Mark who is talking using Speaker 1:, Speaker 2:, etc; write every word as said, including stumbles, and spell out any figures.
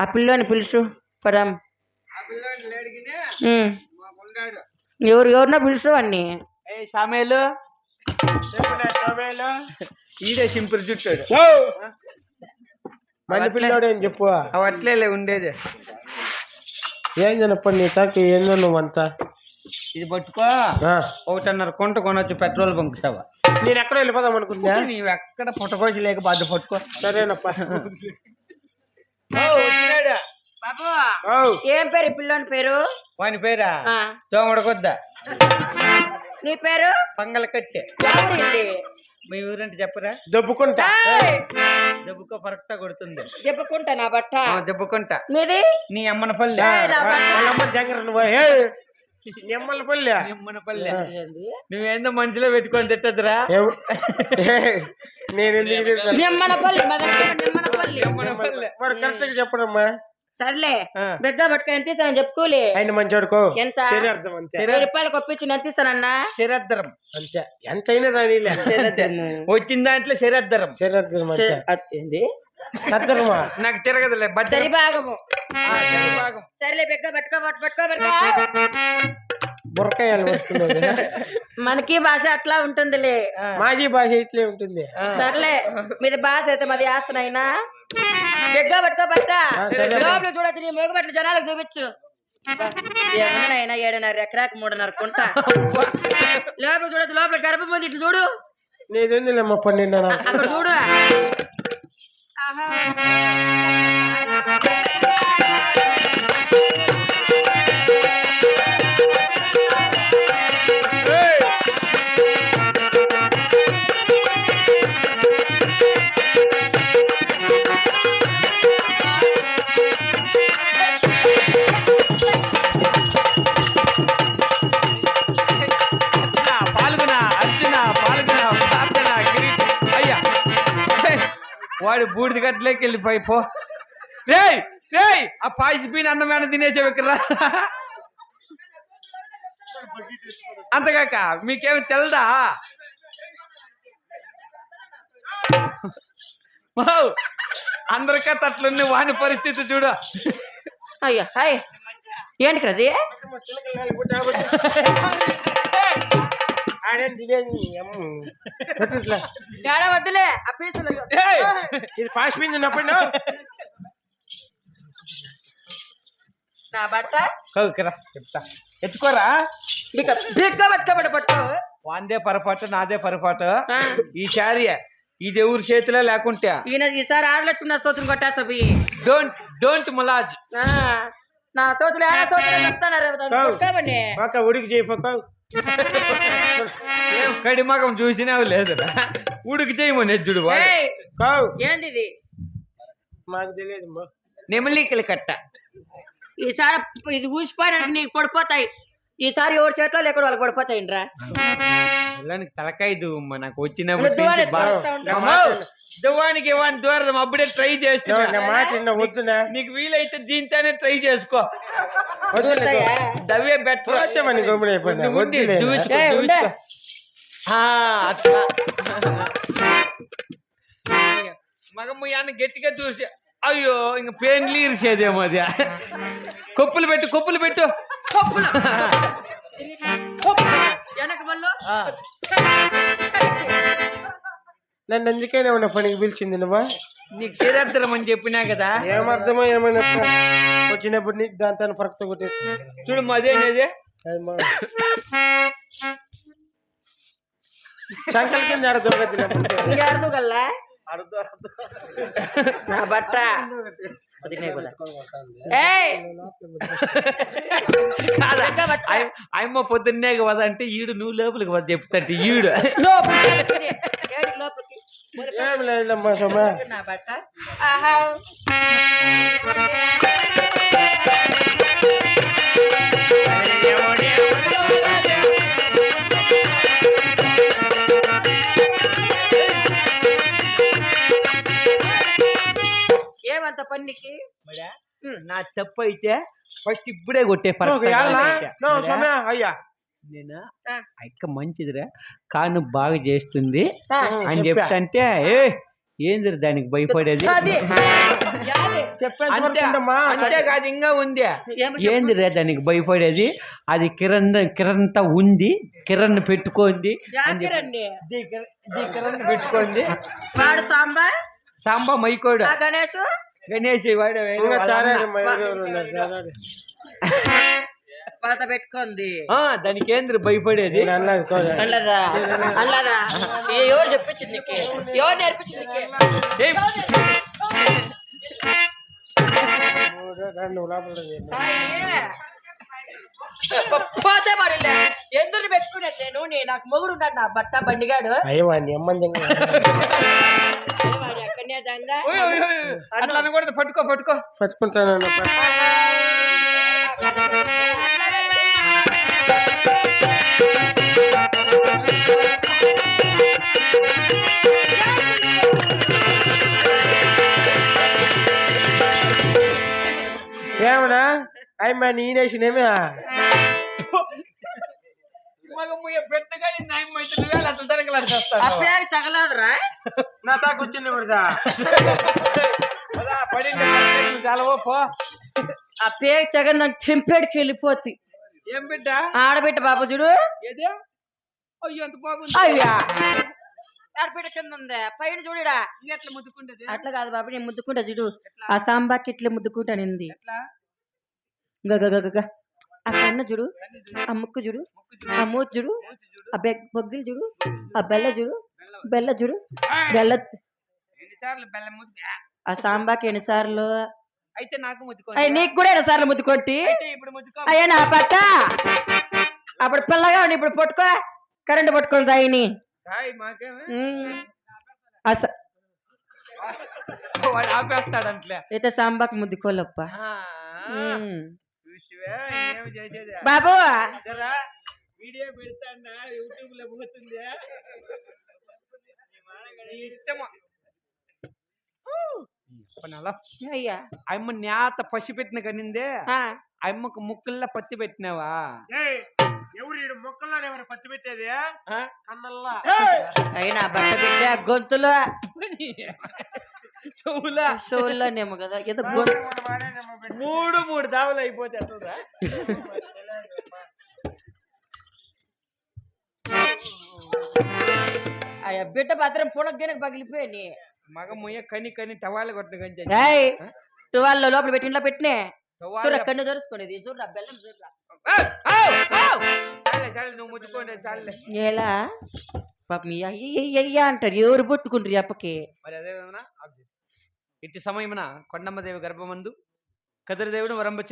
Speaker 1: ఆ పిల్లోని పిలుచు పదం. ఎవరు ఎవరినో పిలుచు అన్ని.
Speaker 2: సామేలు ఈడే సింపుల్ చుట్టాడు
Speaker 3: మళ్ళీ పిల్లోడు అని చెప్పు.
Speaker 2: అవి అట్లే ఉండేది.
Speaker 3: ఏం తినప్ప నీ తాకి ఏందో నువ్వంతా.
Speaker 2: ఇది పట్టుకో, ఒకటిన్నర కొంట కొనొచ్చు పెట్రోల్ బంక్ సవా.
Speaker 3: నేను ఎక్కడ వెళ్ళిపోదాం అనుకుంటున్నా.
Speaker 2: నీవు ఎక్కడ పుట్టకోసి లేక బాధ పట్టుకో.
Speaker 3: సరేనప్ప.
Speaker 1: బాబు ఏం పేరు ఈ పిల్లోని పేరు?
Speaker 2: వాని పేరా తోమడకొద్దా.
Speaker 1: నీ పేరు?
Speaker 2: పంగల కట్టె.
Speaker 1: ఎవరింది?
Speaker 2: మీ ఊరంటే చెప్పరా?
Speaker 3: దెబ్బకుంటా.
Speaker 2: దెబ్బకో పరక్టా కొడుతుంది.
Speaker 1: దెబ్బకుంటా నా బట్ట.
Speaker 2: దెబ్బకుంటా.
Speaker 1: మీది?
Speaker 2: నీ అమ్మన పల్లె.
Speaker 3: నిమ్మల పల్లె.
Speaker 2: నిమ్మన పల్లె. నువ్వేందో మనసులో పెట్టుకొని తిట్టదురా.
Speaker 3: నేను
Speaker 1: నిమ్మనపల్లి నిమ్మనపల్లి
Speaker 3: మరి కరెక్ట్ గా చెప్పడమ్మా.
Speaker 1: సర్లే బెగ్గా పట్టుకొని ఎంత ఇస్తానని చెప్పుకోలే.
Speaker 3: ఆయన మంచోడుకో.
Speaker 1: ఎంత?
Speaker 3: శరీరార్థం అంతే.
Speaker 1: వెయ్యి రూపాయలకు ఒప్పించి ఎంత ఇస్తానన్నా?
Speaker 2: శరీరద్దరం
Speaker 3: అంతే. ఎంతైనా రానిలే.
Speaker 2: వచ్చిన దాంట్లో శరీరద్దరం.
Speaker 3: శరీరార్థం
Speaker 1: ఏంది
Speaker 3: సద్దరమా?
Speaker 2: నాకు తిరగదులే.
Speaker 1: సరి భాగము.
Speaker 2: భాగం.
Speaker 1: సరేలే బెగ్గా పట్టుకో పట్టుకో పట్టుకో.
Speaker 3: బుర్రకాయలు వస్తున్నది.
Speaker 1: మనకి భాష అట్లా ఉంటుందిలే.
Speaker 3: మాజీ భాష ఇట్లే ఉంటుంది.
Speaker 1: సర్లే మీది భాష అయితే మాది ఆసనైనా. బెగ్గా పట్టుకో పట్ట. లోపల చూడొచ్చు నీ మోగబట్లు జనాలకు చూపించు. ఏమన్నాయినా ఏడున్నర ఎకరాకు మూడున్నర కుంట. లోపల చూడొచ్చు, లోపల గర్భం ఉంది. ఇట్లా చూడు.
Speaker 3: నీదేందిలేమ్మ పన్నెండు
Speaker 1: అక్కడ చూడు.
Speaker 2: వాడు బూడిద గట్లేకి వెళ్ళిపోయి పో. రేయ్ రేయ్ ఆ పాయిసిపోయిన అన్నమైన తినేసే విక్కరా. అంతగాక మీకేమి తెలదా? అందరికీ అట్లుంది వాని పరిస్థితి చూడు.
Speaker 1: అయ్యా హాయ్ ఏంటి కదది? వద్దులే ఆ పీసులు.
Speaker 3: ఇది పాస్ మీద ఉన్నప్పుడు
Speaker 1: నా బట్ట
Speaker 2: చెప్తా ఎత్తుకోరా.
Speaker 1: పట్టుకోబట్ట పట్టు.
Speaker 2: వాందే పొరపాటు నాదే పొరపాటు. ఈ శారీ ఇది ఎవరి చేతిలో లేకుంటే
Speaker 1: ఈయన ఈసారి ఆదిలక్ష్మి నా సోతులు కొట్టేసా.
Speaker 2: Don't don't ములాజ్.
Speaker 1: నా సోతులు ఎలా సోతులు చెప్తాను.
Speaker 3: ఉడికి చేయపోక
Speaker 2: కడిమగం చూసినావు లేదు. ఉడికి చేయమని ఎజ్జుడు.
Speaker 1: ఏంది ఇది?
Speaker 3: మాకు తెలియదు.
Speaker 2: నెమలికలు కట్ట.
Speaker 1: ఈసారి ఇది ఊసిపోయినానికి నీకు పడిపోతాయి. ఈసారి ఎవరి చేతిలో లేకుండా వాళ్ళకి పడిపోతాయిండ్రా.
Speaker 2: తలకాయ దువ్వమ్మ నాకు వచ్చినప్పుడు దువ్వానికి ఇవ్వని దూరం అప్పుడే ట్రై చేస్తున్నా.
Speaker 3: వద్దునా?
Speaker 2: నీకు వీలైతే దీంతోనే ట్రై చేసుకో. దవ్వే బెటర్. మగమ్మ గట్టిగా చూసి అయ్యో ఇంక పెయిన్లు ఇరిసేదేమో అది. కొప్పులు పెట్టు కొప్పులు పెట్టు.
Speaker 3: నన్ను అందుకైనా ఉన్న పనికి పిలిచింది నువ్వా?
Speaker 2: నీకు శరీరం అని చెప్పినా కదా.
Speaker 3: ఏమర్థమో ఏమైనా వచ్చినప్పుడు నీకు దాంతో పరక్త కొట్టే
Speaker 2: చూడు మదేనేది.
Speaker 3: సంకల్ కింద
Speaker 1: అర్థం కల్లా నా బట్ట
Speaker 2: అమ్మ పొద్దున్నే కదా అంటే ఈడు నువ్వు లోపలికి వద్ద చెప్తాంటే ఈడు
Speaker 3: ఏం లేదమ్మా సమ్మా.
Speaker 1: నా బట్ట ఆహా ఏమంత పనికి
Speaker 2: నా తప్పు అయితే ఫస్ట్ ఇప్పుడే కొట్టే
Speaker 3: అయ్యా.
Speaker 2: నేను అక్క మంచిదిరా కాను బాగా చేస్తుంది అని చెప్తాంటే ఏ ఏందిరా దానికి భయపడేది.
Speaker 1: యాది?
Speaker 3: చెప్పేంత
Speaker 2: అంతే
Speaker 3: వరకు ఉండమ్మా.
Speaker 2: అంతేకాదు ఇంకా ఉంది
Speaker 1: ఏమి చెప్పు?
Speaker 2: ఏంది రే దానికి భయపడేది అది కిరణ్ కిరణ్ తో ఉంది కిరణ్ పెట్టుకోండి
Speaker 1: యాకిరండి
Speaker 2: దీ కిరణ్ దీ కిరణ్ పెట్టుకోండి
Speaker 1: వాడు సాంబా
Speaker 2: సాంబా మైకోడు
Speaker 1: ఆ గణేష్
Speaker 2: గణేష్ వాడు వేరే
Speaker 3: ఇంకా
Speaker 2: వాళ్ళ
Speaker 3: చారాడు
Speaker 2: అన్న.
Speaker 3: మా ఎవరెవరు ఉన్నారు, చారాడు.
Speaker 1: వాళ్ళతో పెట్టుకుంది
Speaker 2: ఆ, దానికి ఏంది భయపడేది
Speaker 3: నేను అన్నది కోదా.
Speaker 1: అల్లదా అల్లదా ఏ ఎవరు చెప్పించింది నీకు ఎవరు నేర్పించింది నీకు
Speaker 2: ఏయ్,
Speaker 3: మూడు, రెండు, లోపల రెండు.
Speaker 1: ఆయనే. పోతే పడిలే ఎందుకు పెట్టుకునేది నేను నీ- నాకు మొగుడు ఉన్నాడు నా బట్ట బండిగాడు
Speaker 3: అయ్యో వాడిని ఎమ్మంది ఇంకా.
Speaker 1: వాడు ఎక్కడనే దంగా
Speaker 2: ఓయ్, ఓయ్, ఓయ్, అట్లా అనకూడదు పట్టుకో పట్టుకో
Speaker 3: పట్టుకుంటాను ఏమన్నా అయ్యమ్మా నేనేసినేమే
Speaker 2: మగ ముయ్య పెట్టగా నాయమైతే నువ్వేళ అట్లా తరగలాడుతావు
Speaker 1: అప్పే తగలదురా
Speaker 3: నా తాకు వచ్చింది ఇప్పుడు
Speaker 2: పడింది చాలా ఓ పో
Speaker 1: ఆ పేరు తెగ నాకు తెంపేడికి వెళ్ళిపోతుంది
Speaker 2: ఏం బిడ్డ
Speaker 1: ఆడబిడ్డ బాబు చూడు
Speaker 2: ఏదే అయ్యో ఎంత బాగుంది
Speaker 1: అయ్యా ఆడబిడ్డ కింద ఉంది పైన చూడడా
Speaker 2: ఇంకెట్లా ముద్దుకుంటది
Speaker 1: అట్లా కాదు బాబు నేను ముద్దుకుంటా చూడు ఆ సాంబాకి ఇట్లా ముద్దుకుంటానింది
Speaker 2: ఎట్లా
Speaker 1: గగగగగ ఆ కన్ను చూడు ఆ ముక్కు చూడు ఆ మూతి చూడు ఆ బెగ్ బొగ్గిలు చూడు ఆ బెల్ల చూడు బెల్ల చూడు బెల్ల
Speaker 2: ఎన్నిసార్లు బెల్లం ముద్దు
Speaker 1: ఆ సాంబాకి ఎన్నిసార్లు
Speaker 2: అయితే నాకు ముద్దుకో
Speaker 1: అయ్యి నీకు కూడా ఎన్నిసార్లు ముద్దుకొట్టి
Speaker 2: అయితే ఇప్పుడు ముద్దుకో
Speaker 1: అయ్యా నా పట్ట అప్పుడు పిల్లగా ఉండి ఇప్పుడు పట్టుకో కరెంట్ పట్టుకొని తాయిని
Speaker 2: హాయ్ మాకేమే
Speaker 1: అస
Speaker 2: వాడు ఆపేస్తాడంట్లే
Speaker 1: అయితే సాంబాకి ముద్దుకోలప్ప
Speaker 2: చూసివే ఏమి చేసేది
Speaker 1: బాబు
Speaker 2: జరా వీడియో పెడతాడా యూట్యూబ్ లో పోతుంది ఇష్టమా
Speaker 1: అయ్యా
Speaker 2: అమ్మ నేత పసి పెట్టిన కనిందే
Speaker 1: ఆ,
Speaker 2: అమ్మకు ముక్కుల్లో పత్తి పెట్టినావా
Speaker 3: ఎవరు ఈడు మొక్కల్లో ఎవరు పత్తి పెట్టేది కన్నల్లా
Speaker 1: అయినా బట్ట బిడ్డ గొంతులో
Speaker 2: చెవులా
Speaker 1: షోల్లోనేమో కదా ఏదో గొంతు
Speaker 2: మూడు మూడు దావులు అయిపోతే అట్లా
Speaker 1: అయ్యా బిడ్డ భద్రం పునగ్గనకు పగిలిపోయి
Speaker 2: మగ ముయ్య కని కని టవాలు కొట్టిన కంటే
Speaker 1: టువాల్లో లోపల పెట్టి ఇంట్లో పెట్టినే చూడ కన్ను దొరుకుతున్నది చూడరా బెల్లం చూడరా
Speaker 2: చాలే చాలే నువ్వు ముట్టుకోండి చాలే
Speaker 1: ఎలా పాప మీ అయ్యయ్యయ్యా అంటారు ఎవరు పట్టుకుంటారు అప్పకి
Speaker 2: మరి అదే విధమున ఇట్టి సమయమున కొండమ్మదేవి గర్భమందు కదిరిదేవుడు వరంబ